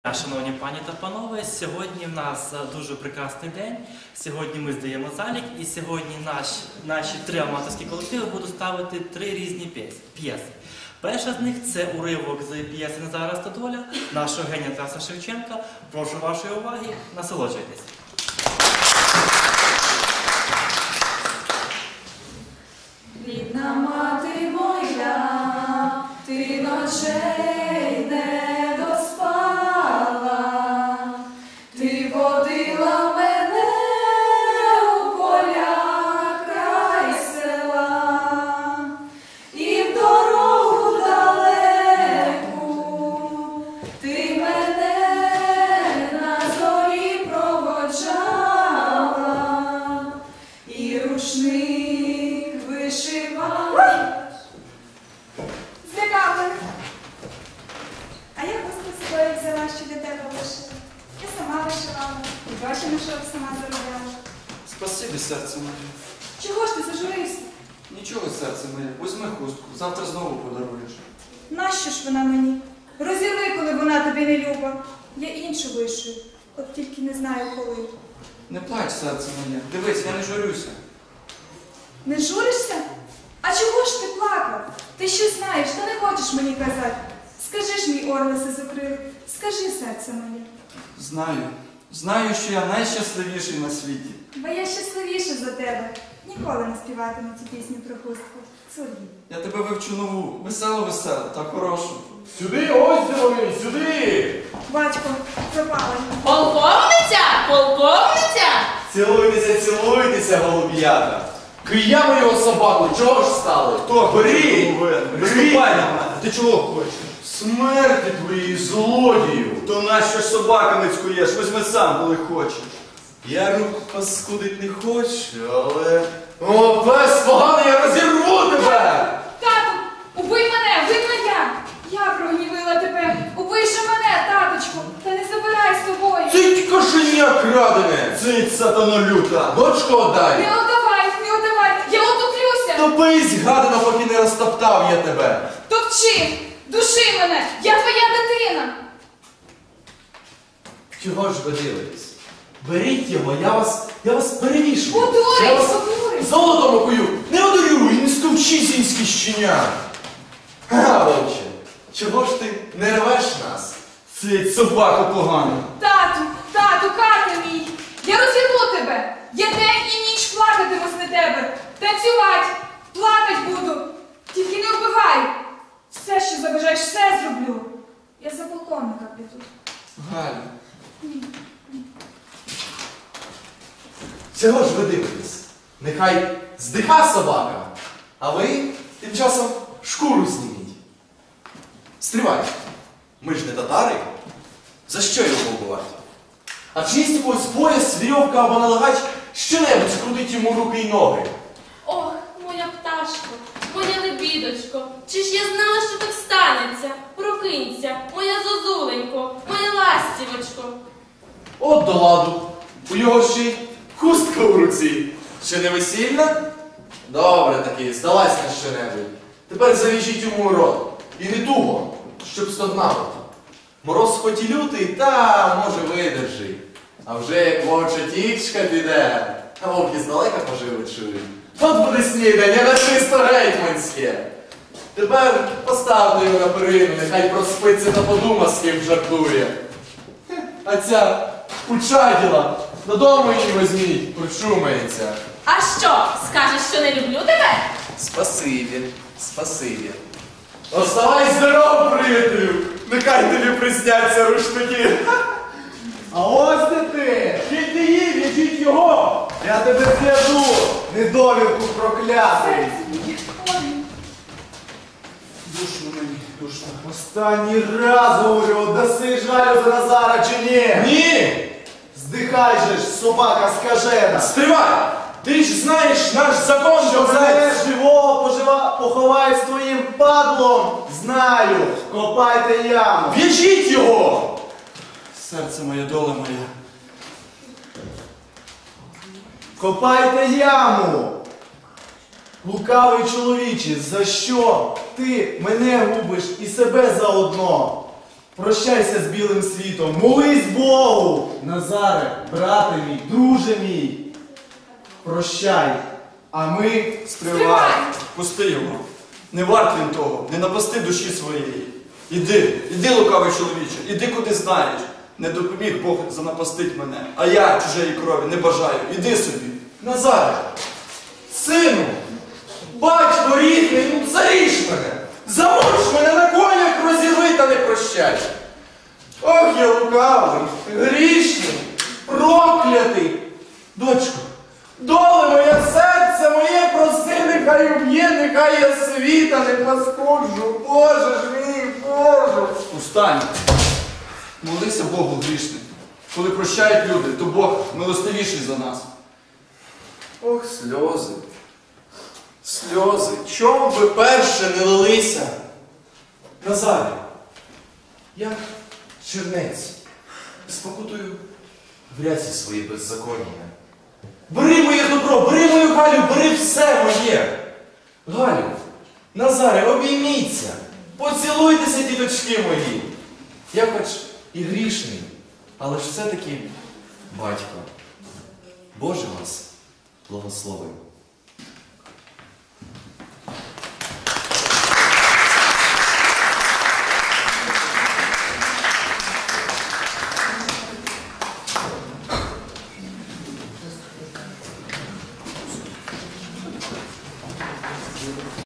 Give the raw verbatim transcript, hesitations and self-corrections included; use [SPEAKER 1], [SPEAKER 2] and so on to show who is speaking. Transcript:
[SPEAKER 1] Шановні пані та панове, сьогодні в нас дуже прекрасний день. Сьогодні ми здаємо залік і сьогодні наш, наші три аматорські колективи будуть ставити три різні п'єси. Перша з них – це уривок з п'єси «Назара Стодоля» нашого генія Тараса Шевченка. Прошу вашої уваги, насолоджуйтесь.
[SPEAKER 2] Рідна мати моя, ти ночей не доспала, ти водила мене у поля край села, і в дорогу далеку ти мене на зорі проводжала, і рушник вишивала.
[SPEAKER 3] Злякали. А я просто з собою взяла, що для тебе вишила. Я сама вишивала, і гроші на шов сама заробляла.
[SPEAKER 4] Спасибі, серце моє.
[SPEAKER 3] Чого ж ти зажурився?
[SPEAKER 4] Нічого, серце моє. Візьми хустку, завтра знову подаруєш.
[SPEAKER 3] Нащо ж вона мені? Розірви, коли вона тобі не люба. Я іншу вишию, от тільки не знаю коли.
[SPEAKER 4] Не плач, серце моє. Дивись, я не журюся.
[SPEAKER 3] Не журишся? А чого ж ти плакав? Ти що знаєш, та не хочеш мені казати. Скажи ж, мій орлисе закрили, скажи, серце моє.
[SPEAKER 4] Знаю. Знаю, що я найщасливіший на світі.
[SPEAKER 3] Бо я щасливіша за тебе. Ніколи не співатиму цю пісню про хустку. Сорі.
[SPEAKER 4] Я тебе вивчу нову, веселу-веселу та хорошу.
[SPEAKER 5] Сюди, ось де вони, сюди!
[SPEAKER 3] Батько, пропала.
[SPEAKER 6] Полковниця! Полковниця!
[SPEAKER 5] Цілуйтеся, цілуйтеся, голуб'ята! Киями його собаку, чого ж стали?
[SPEAKER 4] Хто?
[SPEAKER 5] Беріть! Беріть!
[SPEAKER 4] Ти чого хочеш?
[SPEAKER 5] Смерті твоїй, злодію!
[SPEAKER 4] То нащо ж собаками цькуєш? Візьми сам, коли хочеш.
[SPEAKER 5] Я руку паскудить не хочу, але... О, пес поганий, я розірву тебе!
[SPEAKER 3] Тату, убий мене, винна я! Я прогнівила тебе. Убий же мене, таточку, та не забирай з собою.
[SPEAKER 5] Цить кошеня крадене!
[SPEAKER 4] Цить, сатано люта!
[SPEAKER 5] Дочку отдай!
[SPEAKER 3] Не отдавай, не отдавай, я утоплюся.
[SPEAKER 5] Топись, гадано, поки не розтоптав я тебе!
[SPEAKER 3] Топчи, души мене, я твоя дитина.
[SPEAKER 5] Чого ж ви дивитесь? Беріть його, я вас, я вас перевішу.
[SPEAKER 3] Подурись,
[SPEAKER 5] Я вас
[SPEAKER 3] подурись.
[SPEAKER 5] золотом окую. Не одурю і не скупчи сінські щеня. Га, вовче, чого ж ти не рвеш нас?
[SPEAKER 4] Цить, собаку погану!
[SPEAKER 3] Тату, тату, кати мій, я розірву тебе. Я день і ніч плакатиму на тебе. Танцювати, плакать буду. Тільки не вбивай. Все, що забажаєш, все зроблю. Я за полковника піду.
[SPEAKER 5] Галю. Чого ж ви дивитесь? Нехай здиха собака, а ви тим часом шкуру зніміть. Стривайте. Ми ж не татари. За що його вбивати? А чи є якийсь пояс, вірьовка або налагач, що-небудь скрутить йому руки й ноги?
[SPEAKER 6] Ох, моя пташко, моя лебідочко, чи ж я знала, що так станеться? Прокинься, моя зозуленько, моя ластівочко.
[SPEAKER 5] От до ладу. У його ще й хустка в руці. Ще не весільна? Добре таки, здалась на що-небудь. Тепер завіжіть йому рот. І не туго, щоб стогнало. Мороз хоч і лютий, та, може, видержи. А вже як вовча тічка піде, а вовки здалека поживи чують. От буде снідання, на чисто гетьманське. Тепер поставте його на перину, нехай проспиться та подума, з ким жартує. А ця кучаділа додому її візьміть, причумається.
[SPEAKER 6] А що, скажеш, що не люблю тебе?
[SPEAKER 5] Спасибі, спасибі. Оставай здоров, приятелю! Нехай тобі присняться рушники.
[SPEAKER 7] А ось де ти! Вчіть її, в'яжіть його! Я тебе зв'яжу, недовірку проклятий!
[SPEAKER 3] Серце моє, ой.
[SPEAKER 4] Душно мені, душно.
[SPEAKER 7] Останній раз говорю, даси жалю за Назара чи ні?
[SPEAKER 5] Ні!
[SPEAKER 7] Здихай же ж, собака скажена!
[SPEAKER 5] Стривай! Ти ж знаєш наш закон,
[SPEAKER 7] Що
[SPEAKER 5] козець!
[SPEAKER 7] мене живого пожива, поховай з твоїм падлом! Знаю! Копайте яму!
[SPEAKER 5] В'яжіть його!
[SPEAKER 4] Серце моє, доля моя.
[SPEAKER 7] Копайте яму! Лукавий чоловіче, за що ти мене губиш і себе заодно? Прощайся з білим світом, молись Богу! Назаре, брате мій, друже мій, прощай, а ми...
[SPEAKER 4] Стривай! Пусти його. Не варт він того, не напасти душі своєї. Іди, іди, лукавий чоловіче, іди куди знаєш. Не допоміг Бог занапастить мене, а я чужої крові не бажаю. Іди собі.
[SPEAKER 5] Назаре, сину, батько рідний, ну заріж мене, замуч мене на конях, розірви та не прощай. Ох, я лукавий, грішний, проклятий. Дочко, доле моє серце моє, прости, нехай уб'є, нехай я світа не паскуджу. Боже ж мій, Боже.
[SPEAKER 4] Устань. Молися Богу грішним. Коли прощають люди, то Бог милостивіший за нас.
[SPEAKER 5] Ох, сльози, сльози, чому би перше не лилися? Назаре, я чернець, спокутую в ряці свої беззаконня. Бери моє добро, бери мою Галю, бери все моє. Галю, Назаре, обійміться, поцілуйтеся, діточки мої. Я хоч і грішний, але ж все-таки батько. Боже вас благословив.